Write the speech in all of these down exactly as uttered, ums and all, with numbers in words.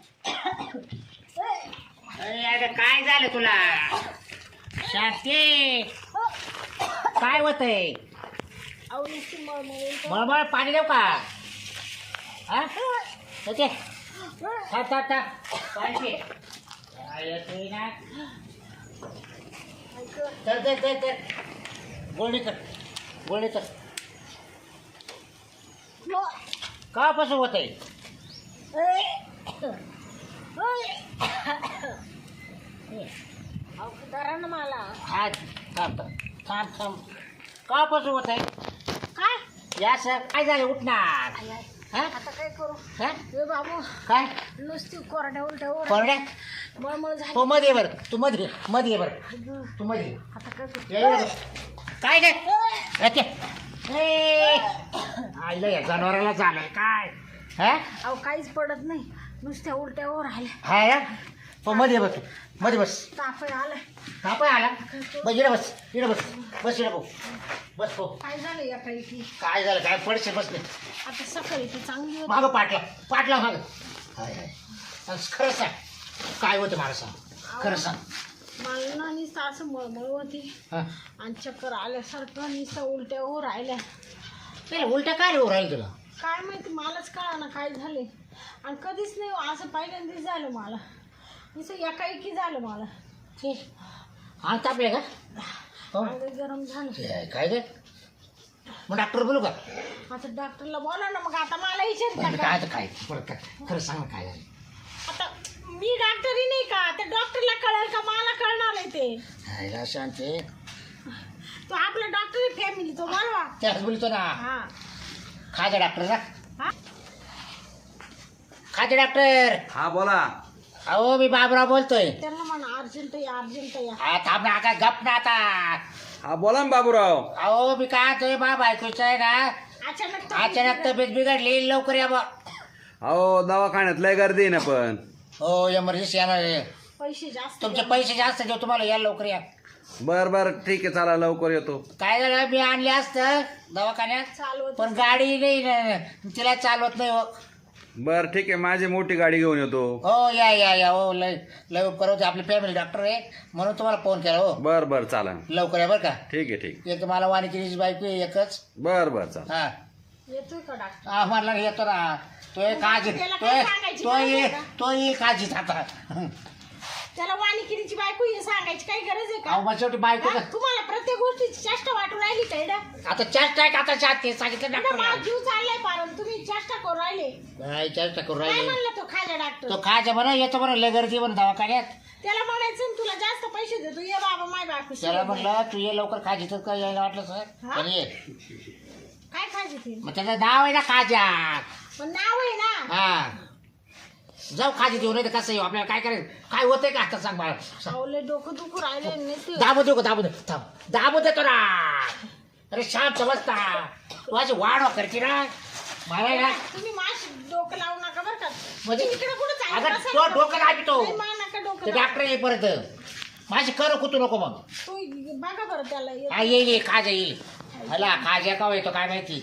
अरे अगं काय झालं तुला शांती काय होतंय मळमळ पाणी देऊ का हा ओके था था था पाणी पी. काय येतोय ना तर तर तर तर गोळी कर गोळी कर कापासून होत आहे मला हा थांब थांब थांब कापासून होत आहे काय या सर काय झालं उठणार हा आता काय करू हा ए बाबू काय नुसती कोरड्या उलट्यावर कोरड्या मळमळ झाली तो मध्ये बर तू मध्ये मध्ये बर तू मध्ये आता काय करू या, या, या. काय काय येते ए आईला या जनावराला झालंय काय हा अहो काहीच पडत नाही नुसत्या उलट्यावर राहिल्या हा या तो मध्ये बस मध्ये बस ताप आलाय कापाय आला बस इकडे बस इकडे बस बस इकडे भाऊ बस भाऊ काय झालं या काही की काय झालं काय पडશે बस नाही आता सकाळी ती चांगली होती मागं पाटला पाटला मागं हाय हाय आणि खरं सांग काय होतं मला सांग खरं सांग मला ना नुसतं असं मळमळ होती हां आणि चक्कर आल्यासारखं नुसतं उलट्यावर राहिल्या नाही उलट्या काय रे राहील तुला काय माहिती मलाच कळा ना काय झाले आणि कधीच नाही हो, असं पहिल्यांदाच झालं मला नुसतं एकाएकी झालं मला ते हा तापले का हो अंग गरम झालं ते काय रे मग डॉक्टर बोलू का आता डॉक्टरला बोला ना मग आता मला विचारता काय का आता काय परत काय खरं सांग ना काय झालं आता मी डॉक्टरही नाही का त्या डॉक्टरला कळेल का मला कळणार आहे ते हायला शांती तो आपला डॉक्टर फॅमिली तो बोलवा त्याच बोलतो ना हा खाजा डॉक्टर जा हा खाजा डॉक्टर हा बोला. अहो मी बाबराव बोलतोय त्यांना म्हणा अर्जंट या अर्जंट या हा थांब ना आता गप ना आता हा बोला ना बाबूराव. अहो मी काय तुम्ही बा बायकोचं आहे ना अचानक तब्येत अचानक बिघडली. तब्येत बिघडली लवकर या बा अहो दवाखान्यात लय गर्दी आहे ना पण. हो एमर्जन्सी येणार आहे. पैसे जास्त तुमचे द्या. पैसे जास्त देऊ तुम्हाला या लवकर या बर बर ठीक आहे चला लवकर येतो. काय झालं मी आणले असतं दवाखान्यात चालवत पण गाडी नाही ना, तिला चालवत नाही हो बर ठीक आहे माझी मोठी गाडी घेऊन येतो. हो या या या हो लय लय उपकार होते आपले फॅमिली डॉक्टर आहे म्हणून तुम्हाला फोन केला हो बर बर चाला. लवकर या बरं का ठीक आहे ठीक. एक मला वाणिकिरीची बायको आहे एकच बर बर चाला. हा येतोय का डॉक्टर हा म्हणला येतो ना तो एक काळजी त्याला तो काय सांगायची तो गरज ये आहे का? तो ये काळजीत आता त्याला वाणिकिरीची बायको हे सांगायची काही गरज आहे अहो का मग शेवटी बायको हा? तुम्हाला प्रत्येक गोष्टीची चेष्टा वाटून राहिली का इडं? आता चेष्टा आहे का आता चाट ते सांगितलं इडं डॉक्टर माझा जीव चाललाय पारण तुम्ही चेष्टा करू राहिले नाही चेष्टा करू काय राहिले म्हणलं तो खाजा डॉक्टर तो खायचं बरं येतो बरं लय गर्दी बरं दवाखान्यात त्याला म्हणायचं ना, तुला जास्त पैसे देतो ये बाबा माय बायको त्याला म्हटलं तू ये लवकर खाजी तर काय यायला वाटलं सर हा? पण ये काय खायचे ते मग त्याचं नाव आहे ना खाजा पण नाव आहे ना हा जाऊ खाजी देऊ नाही तर कसं येऊ आपल्याला काय करायचं काय होतंय का आता सांग मला सावले डोकं दुखू राहिले नाही ते. दाबू देऊ का दाबू दे थांब दाबू देतो ना अरे शांत बसता तू अशी वाढवा करते ना मला ना तुम्ही माश डोकं लावू नका बरं का म्हणजे इकडे कुठं अगं चाललं तो डोकं दाबितो नाही, मा नका डोकं ते लावू. डॉक्टर येई परत माझी कर कुतू नको मग तू बघा बरं त्याला ये. हा येईल ये खाजा येईल हला खाजा का येतो काय माहिती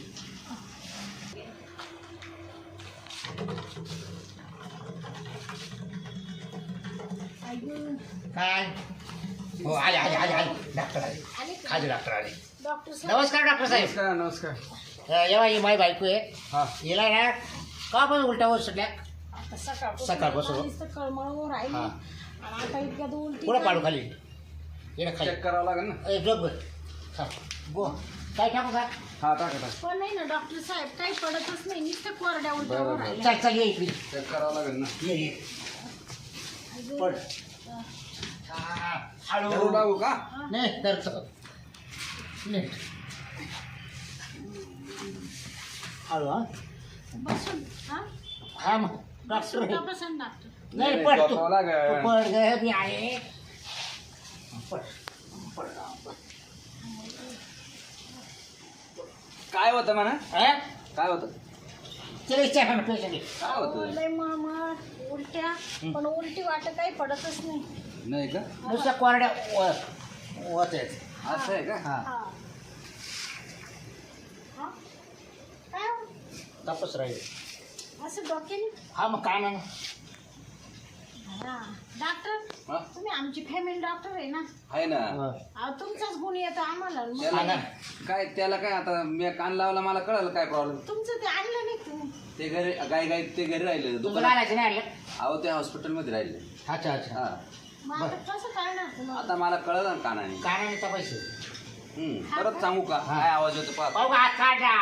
ऐकून. काय हो आले आले आले आले डॉक्टर आले आले का? खाजे डॉक्टर आले डॉक्टर साहेब नमस्कार डॉक्टर साहेब नमस्कार नमस्कार. अं, येवा ही माई बायको आहे हा हिला ना का पण उलट्या होत सुटल्या आता सकाळपासून सकाळपासून. मला नुसतं कळमळून राहिली हा. आणि आता इतक्यात उलटी पुढे पाडू झाली. खाली येणं खाली चेक करावं लागेल ना. ए जोग बर हा गो काय टाकू का हा टाका टाका. पण नाही ना डॉक्टर साहेब काही पडतच नाही नुसतं कोरड्या बरं, उलट्यावर बरं. राहिल्या. चल चल ये इकडे चेक करावं लागेल ना. ये ये अजून- पड हा. हा, धरू हळू लागू का. नाही तर नीट हळू हा बसून हा हा मग डॉक्टर बसून आहे. का बसून डॉक्टर नाही पड तू झोपावं लागेल. तू पड ग मी आहे पड पड पड. काय होतं म्हणा. हा? काय होतं तिला विचार ना पेशंट काय होतं. लय मळमळ उलट्या पण उलटी वाट काही पडतच नाही नाही का. नुसत्या कोरड्या होत आहेत असं आहे का. हा हा हा? काय हो? तपास राहील असं डोक्याने हा मग काय नाही हा डॉक्टर हा? तुम्ही आमची फॅमिली डॉक्टर आहे ना आहे ना अहो, तुमचाच गुण येतो आम्हाला मग त्याला काय त्याला काय आता मी कान लावला मला कळलं काय प्रॉब्लेम तुमचं ते आणलं नाही तुम्ही ते घरी गाय गाय ते घरी राहिले तुमचं दुकानात घालायचं नाही आणलं अहो ते हॉस्पिटलमध्ये राहिले अच्छा अच्छा हा मग आता कसं करणार तुम्हाला आता मला कळलं ना कानाने काय तर पैसे हम्म परत सांगू का काय आवाज येतो पाहत पाहू का हात काढा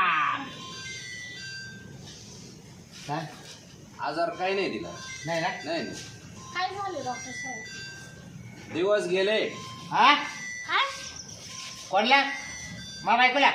काय आजार काही नाही दिला नाही ना नाही नाही काय झालं डॉक्टर साहेब दिवस गेले हा काय कोणला मा बायकोला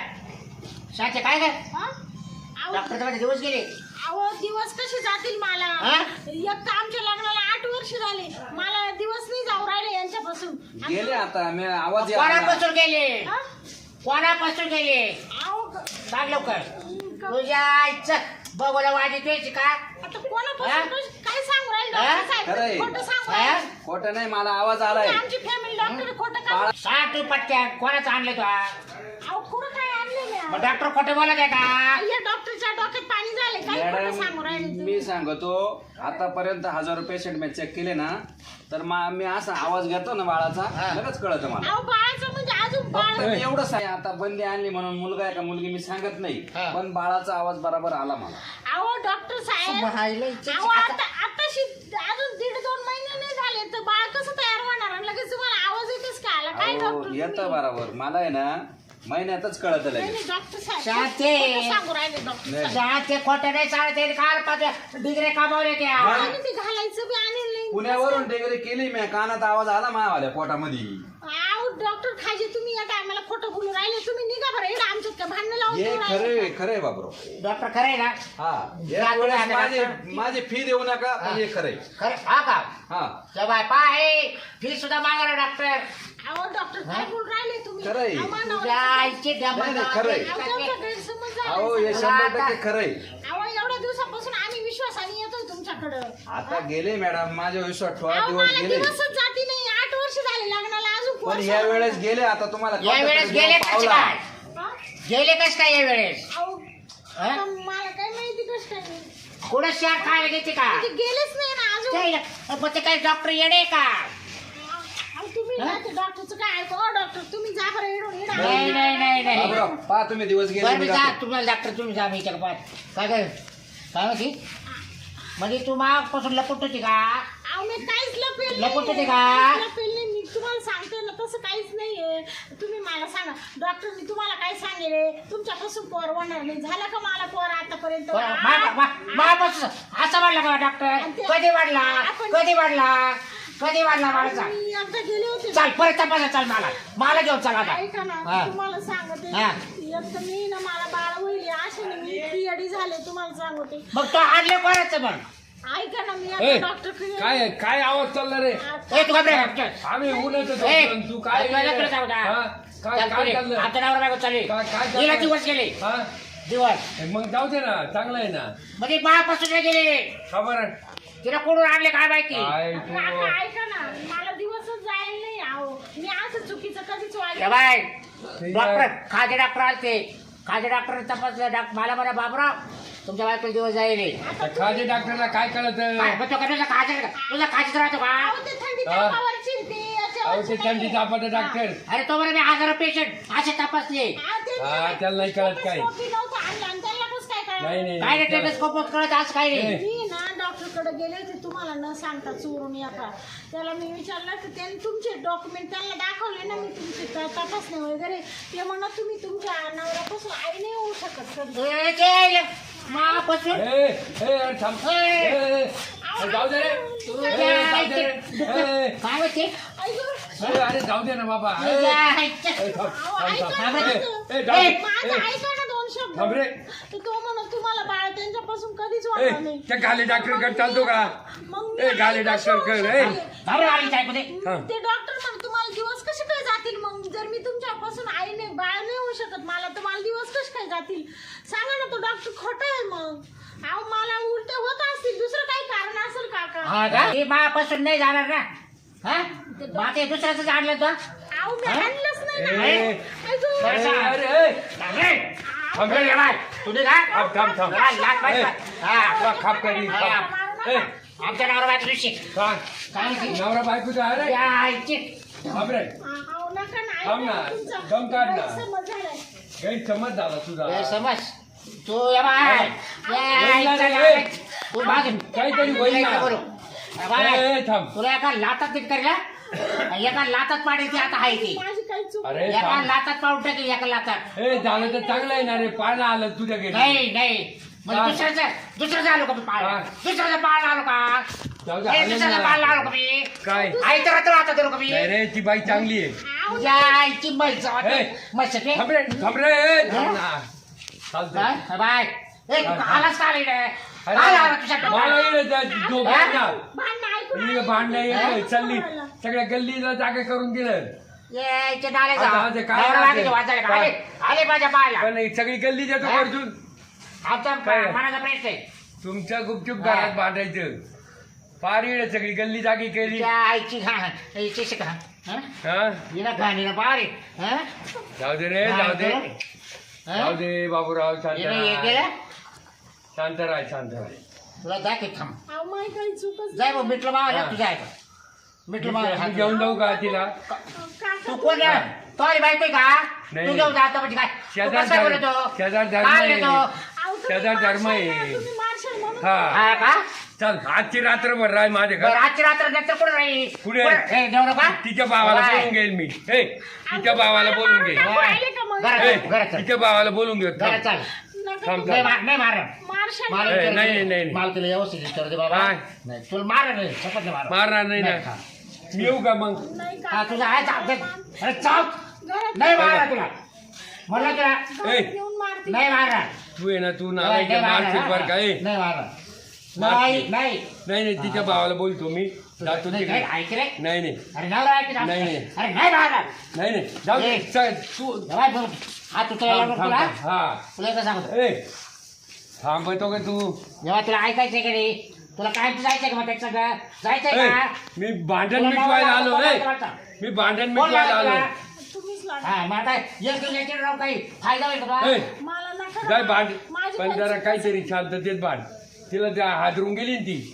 शांत काय काय हा अहो डॉक्टरच्या मध्ये दिवस गेले अहो दिवस कसे जातील मला हा? एक तर आमच्या लग्नाला आठ वर्ष झाले मला दिवस नाही जाऊ राहिले यांच्यापासून आणि- गेले आता मी आवाज यायला कोणापासून गेले हा? कोणापासून गेले अहो क- सांग लवकर क- तुझ्या आईचं बघूला वाजी तुझी का आता कोणापासून हा? कश- काय सांगू राहिले हा? डॉक्टर साहेब खरंय. खोटं सांगू हा? राहिले खोटं नाही मला आवाज आलाय तुम्ही आमची फॅमिली डॉक्टर खोटं काय बाळा- सांग तू पटक्या कोणाचं आणलं तू अहो कुठं काय आणलं मग डॉक्टर खोटे बोलत आहे का या डॉक्टरच्या डोक्यात पाणी झाले काय खोटं सांगू राहिले मॅडम तुम्ही मी सांगतो आतापर्यंत हजारो पेशंट मी चेक केले ना तर मा- मी असा आवाज घेतो ना बाळाचा हा. लगेच कळतं मला अहो बाळाचं म्हणजे अजून बाळ फक्त मी एवढंच आहे आता बंदी आणली म्हणून मुलगा आहे का मुलगी मी सांगत नाही हा. पण बाळाचा आवाज बरोबर आला मला अहो डॉक्टर साहेब अहो आता आताशी अजून दीड दोन महिने नाही झाले तर बाळ कसं तयार होणार आणि लगेच तुम्हाला आवाज येतेच का आला काय अहो, डॉक्टर येतं तुम्ही? बरोबर मला आहे ना महिन्यातच कळत नाही, लगेच नाही, डॉक्टर साहेब शांती. खोटं सांगू राहिले डॉक्टर नाही. साहेब. शाळेत ते खोटे नाही चालते कार पाच डिग्री कमावले त्या आणि ते घालायचं बी आणेल नाही पुण्यावरून डिग्री केली मी कानात आवाज आला मावाल्या पोटामध्ये अहो डॉक्टर खाजे तुम्ही या टायमाला खोटं बोलू राहिले तुम्ही निघा बरं इकडं आमच्यात काय भांडणं लावून हे देऊ राहिले खरे का? खरे बाबरो डॉक्टर खरं आहे ना हा जा एक वेळेस तुम्ही माझी आता- माझी फी देऊ नका पण हे खरंय खरं हा का हा जबाय पाय फी सुद्धा मागा डॉक्टर अहो डॉक्टर काय हा? बोलू राहिले तुम्ही खरं आहे. अहो, मानव- तुझ्या आईची नाही, नाही, खरं आहे. अहो, तुमचा गैरसमज झाला अहो हे सगळा. शंभर टक्के खरंय अहो एवढ्या दिवसापासून आम्ही विश्वासाने येतोय तुमच्याकडं आता गेले मॅडम माझ्या विश्वास ठेवा अहो, दिवस मला गेले दिवसच जाती नाही आठ वर्ष झाले लग्नाला अजून पण वर्ष या झालं. वेळेस गेले आता तुम्हाला या वेळेस कळतं गेले जेव्हा कसे पावला. काय हा? गेले कस काय या वेळेस अहो, हा? आता मला काय माहिती कसं काय नाही. कुठं शाळ खायला घेते का ते गेलेच नाही ना अजून ते- मग ते काही डॉक्टर येणे का अहो, तुम्ही हा? ना ते डॉक्टरचं काय ऐकू अहो, डॉक्टर तुम्ही जा बरं इडून इडा नाही नाही नाही नाही बाबूराव, पहा तुम्ही दिवस गेले बरं मी मी जा जातो. तुम्हाला डॉक्टर तुम्ही जा मी इथे पाहत काय काय काय म्हणते म्हणजे तू मागपासून लपट होती का अहो मी काहीच लपेल लपवत होते नाही. का? काहीच लपेल नाही मी तुम्हाला सांगते ना तसं काहीच नाहीये तुम्ही मला सांगा डॉक्टरनी तुम्हाला काय सांगेल तुमच्यापासून पोर होणार नाही झालं का मला पोर आतापर्यंत मापासून असं वाढला का डॉक्टर कधी वाढला कधी वाढला कधी वाढला मला मी एकदा गेले होते चाल परत तपासा चाल मला मला घेऊन चाल आता ऐका ना हा. तुम्हाला सांगते हा. एक तर मी ना मला बाळ होईल असे ना मी इतकी अडी झाले तुम्हाला सांगते मग तो आणले कोणाचं मग ऐका ना मी ए, आता डॉक्टर काय काय आवाज चालला रे ए तू घाबरे आम्ही उन्हाचं ए, झोपलो, तू काय तुला तुला जाऊ द्या. हा? काय काय चाललं आता नवरा बायको चालली काय काय गेला चाललं? दिवस गेले हा? दिवस मग जाऊ दे ना चांगलं आहे ना म्हणजे मापासून नाही गेले खबर तिला कोणून आणले काय माहिती काय तू काका ऐका ना मला दिवसच जायला नाही आहो मी असं चुकीचं कधीच ए वागलं बाय ठीक डॉक्टर आहे. खाजे डॉक्टर आलते खाजे डॉक्टर तपासलं डॉक्टर मला म्हणा बाबराव तुमच्या बायकोला दिवस जाईल त्या खाजे डॉक्टरला काय कळत काय मग तो का तुझा खाजे तुझा खाजेच राहतो का अहो, ते थंडी हा. तापावरची ते याच्यावरची अहो ते थंडी नाहीये. तापाचं डॉक्टर अरे तो बरं मी हजार पेशंट असे तपासले हा, ते हा, नाही. त्याला नाही कळत काय. स्टेथोस्कोपी नव्हतं आणलं आणि त्याला कसं काय कळलं? नाही नाही काय रे टेलिस्कोप कळत असं काय ए. नाही मी ना डॉक्टरकडे गेले होते तुम्हाला न सांगता चोरून येता त्याला मी विचारलं की त्यांनी तुमचे डॉक्युमेंट त्यांना दाखवले ना मी तुमचे त- तपासणे वगैरे ते म्हणत तुम्ही तुमच्या नवऱ्यापासून आई नाही होऊ शकत कधी. ए, ते मापासून ए, ए, अरे थांब. ए. ए, ए, ए, जाऊ दे रे तुझ्या ए, जाऊ दे रे. आईचे- ए, काय होते ऐकू. ए, अरे जाऊ दे ना बाबा ए, तुझ्या ए, आईच्या- थांब, अहो, थांब, ऐका थांब. ना. ए, ए, जाऊ दे. माझं ए, ऐका ना दोन शब्द थांब रे. तर तो म्हणत तुम्हाला बाळ त्यांच्यापासून कधीच ए, वाटणार नाही त्या गाली डॉक्टरकडे चालतो का? मग मी ए, गाली आई कशी डॉक्टरकडे, होऊ ए. शकते? थांब रे, आली साहेबमध्ये. हा. ते डॉक्टर म्हण तुम्हाला दिवस कसे काय जातील मग जर मी तुमच्यापासून आई नाही बाळ नाही होऊ शकत मला तर मला दिवस कसे काय जातील सांगा ना तो डॉक्टर खोटा आहे मग अहो मला उलट होत असतील दुसरं काही कारण असेल काका हा का? ते मापासून नाही जाणार ना हा मग ते दुसऱ्याच आणलं तो अहो मी हा? आणलंच नाही ए, ना ए. ऐकू. बरं, ए, सांग. अरे ए, थांब रे. थांब ए, रे. ये बाय. तुझे काय थांब, थांब, थांब. जरा लाट बाय. ए. हा. तुला खाप करी हा. खाप. ए, आमच्या नवरा बायको दिवशी काय काय म्हणते? नवरा बायकोचं आहे रे या आईची. बापरे अहो, नका ना, ऐका थांब ना, तुमचा दम काढ ना. गैरसमज झालाय. गैरसमज झाला तुझा ए, समज तू या बाय या होईल ना आईचा रे. लाड. तू मागे काहीतरी होईल ना. काय करू? या बाय. ए, ए, थांब तुला एका लातात तीट करीला एका लातात पाडायची आता आहे ती माझी काही चूक अरे एका थांब. लातात पाडून टाकेल एका लातात ए झालं तर चांगलं आहे ना रे पाळणं आलं तुझ्या घरी नाही नाही म्हणजे हा. दुसऱ्याचं दुसऱ्याचं आलो का मी पाळ हा. दुसऱ्याचं पाळ आलो का जाऊ दे, ए, आलं दुसऱ्याचं ना. पाळ आलो का मी काय आई तर आता आता करू का मी नाही रे ती बाई चांगली आहे अहो, तुझ्या आईची म्हैस ए. म्हैस आहे. थांब रे थांब रे ए, थांब ना. चालतंय. काय? बाय ए तू हा. आलाच का रे अरे, काय आला तुझ्या मला येईल त्या झोप हा? ना भांडणं ऐकून ही आले. भांडणं हा? येईल चालली सगळ्या गल्लीला जागा करून दिलं यायचे नाले जा आता आज काय नवरा राहते? बायकोचे वाजायला का? काय? आले आले माझ्या पायाला पण ही सगळी गल्ली देतो हा? अर्जुन आमचा काय? मनाचा प्रश्न आहे तुमच्या गुपचूप हा. घरात बांधायचं फार येईल सगळी गल्ली जागी केली तुझ्या आईची घाण आईची शिका हा हा हिला घाणीला पारे हा जाऊ दे रे जाऊ दे जाऊ दे बाबूराव शांत हिला हे राहा केलं शांत राहा शांत राहा तुला दाखव थांब अहो, माझी काही चूकच जाय मग मिटलं मावा हा. तुझ्या ऐका मिटलं मावा मी घेऊन जाऊ का तिला काका तू कोण आहे? तो आली बायको आहे का नाही. तू घेऊन जातो म्हणजे काय तू शेजार कसं धर्म- बोलतो शेजार धर्म काय आहे. बोलतो? अहो, तुम्ही शेजार धर्म मारशाल आहे. ना, तुम्ही मारशाल म्हणून हा हा का चल आजची रात्रभर राय माझे बरं घर आजची रात्र नंतर कुठं राहील पुढे. हे देऊ नका तिच्या भावाला बाय. बोलून घेईल मी हे तिच्या भावाला बोलून घे अहो, राहिले का मग? घरात ए, चल, घरात चल. तिच्या भावाला बोलून घे घरात चाल नका थांब, तुम्ही नाही मार नाही मार मारशाल मला ए, विचारू नाही, दे. नाही, नाही. मला तुला व्यवस्थित विचारू दे बाबा काय? नाही तुला मार नाही शपथ नाही मार मारणार नाही ना हा. मी येऊ का मग नाही हा का तुझा आहे चाल अरे चाल घरात नाही मारणार तुला म्हणलं तुला ए. घरात येऊन मारते नाही मारणार तू आहे ना तू नाही नालायक मारणार, मारशील बरं का ए नाही मारणार नाही नाही नाही नाही तिच्या भावाला बोलतो मी जातो नाही, तिकडे नाही, ऐक रे नाही नाही अरे नवरा ऐक ना. नाही, नाही. अरे नाही मारणार नाही नाही जाऊ दे ए. चल, तू जवाय बोल हा तू तुला थांब, लागलं थांब, तुला थांब. हा तुला एकदा सांगतो ए थांबतो का तू जेव्हा तुला ऐकायचंय का नाही तुला काय जायचंय का मग त्याचं सगळं जायचंय ए, का मी भांडण तुला मिटवायला नवरा आलो लागला, ए कोण लागला? मी भांडण कोण मिटवायला लागला आलो तुला? तुम्हीच लागला हा मग आता एक याच्यावर राव काही फायदा होईल का ए, तुला? मला नका जाय ना. भांड माझी पण काही जरा चूक काहीतरी शांततेत भांड तिला त्या हादरून गेली ना ती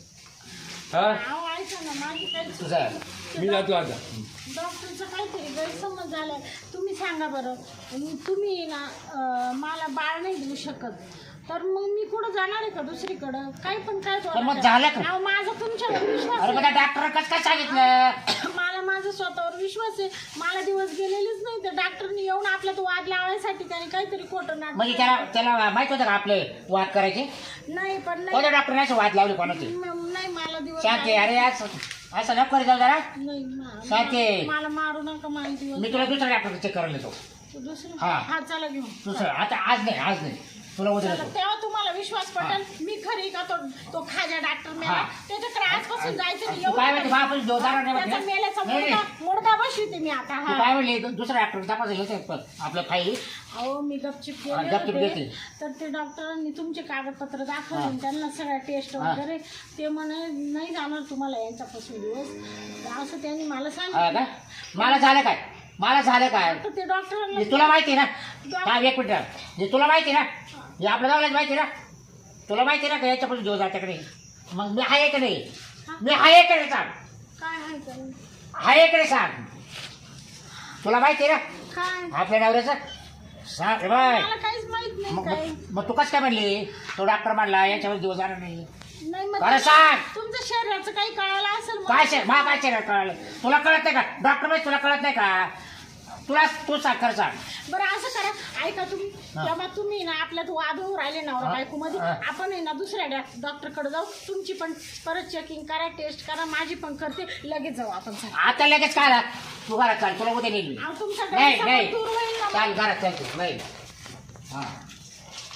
हा अहो, ऐका ना, माझी काही चूक तुझा. नाही. मी जातो आता डॉक्टरचं काहीतरी गैरसमज झालाय तुम्ही सांगा बरं अं, तुम्ही ना अं, मला बाळ नाही देऊ शकत तर मग मी कुठं जाणार आहे का दुसरीकडं काही पण काय तर मग बोलता. झालं का? अहो, माझा तुमच्यावर विश्वास अरे मग आहे. त्या डॉक्टर कसं काय सांगितलं मला माझा स्वतःवर विश्वास आहे मला दिवस गेलेलेच नाही तर डॉक्टरनी येऊन आपल्यात वाद लावायसाठी त्याने काहीतरी खोटं म्हणजे नाटक त्याला त्याला माहित होतं का आपले वाद करायचे नाही पण नाही कोणत्या डॉक्टरने असे वाद लावले कोणाचे म- नाही मला दिवस शांती अरे असं असं नको करीत जाऊ जरा नाही मा- शांती. मला मारू नका मला दिवस मी तुला दुसऱ्या डॉक्टर चेक करायला येतो दुसरं हा. हा चला घेऊन दुसरं आता आज नाही आज नाही तुला उद्या चला, येतो तेव्हा तुम्हाला विश्वास पटेल मी खरी का तो तो खाजा डॉक्टर मेला हा. त्याच्याकडे आजपासून जायचं नाही. तू काय म्हणते एवढं बाप जो जाणार नाही त्याचा म्हणते? मेल्याचा नाही, मुडका नाही. मुडका बसवते मी आता तू हा काय म्हणली दुसऱ्या डॉक्टर तपासायला येते आपल्या फाईल अहो मी गपचिप हा, गेले गपचूप होते घेते. तर ते डॉक्टरांनी तुमचे कागदपत्र हा. दाखवले त्यांना सगळ्या टेस्ट हा. वगैरे ते म्हणे नाही जाणार तुम्हाला यांच्यापासून दिवस तर असं त्यांनी मला हा सांगितलं का मला झालं काय मला झालं काय तर ते डॉक्टरांना हे तुला माहिती ना काय एक मिनिट हे तुला माहिती ना हे आपल्या गावालाच माहिती ना तुला माहिती ना का याच्यापासून जो जात्याकडे मग मी आहे का नाही मी आहे का नाही सांग काय आहे का आहे का नाही सांग तुला माहिती ना काय आपल्या नवऱ्याचं सांग रे बाय मला काहीच माहित नाही मग काय मग- मग तू कसं काय म्हणली तो डॉक्टर म्हणला याच्यावर दिवस जाणार नाही नाही मग खरं सांग तुमच्या शरीराचं काही कळालं असेल मग. काय शे मा काय शरीर कळलं तुला कळत नाही का डॉक्टर म्हणजे तुला कळत नाही का तुला तू सांग खरं सांग बरं असं करा ऐका तुम्ही हा. तेव्हा तुम्ही ना आपल्यात वाद होऊ राहिले नवरा हा. बायको मध्ये हा. आपण आहे ना दुसऱ्या डॉक्टरकडे जाऊ तुमची पण परत चेकिंग करा टेस्ट करा माझी पण करते लगेच जाऊ आपण सगळे. आता लगेच काय झालं? तू घरात चाल तुला उद्या नेली अहो, तुमचा नाही गैरसमज नाही दूर होईल ना चाल घरात चाल तू नाही हा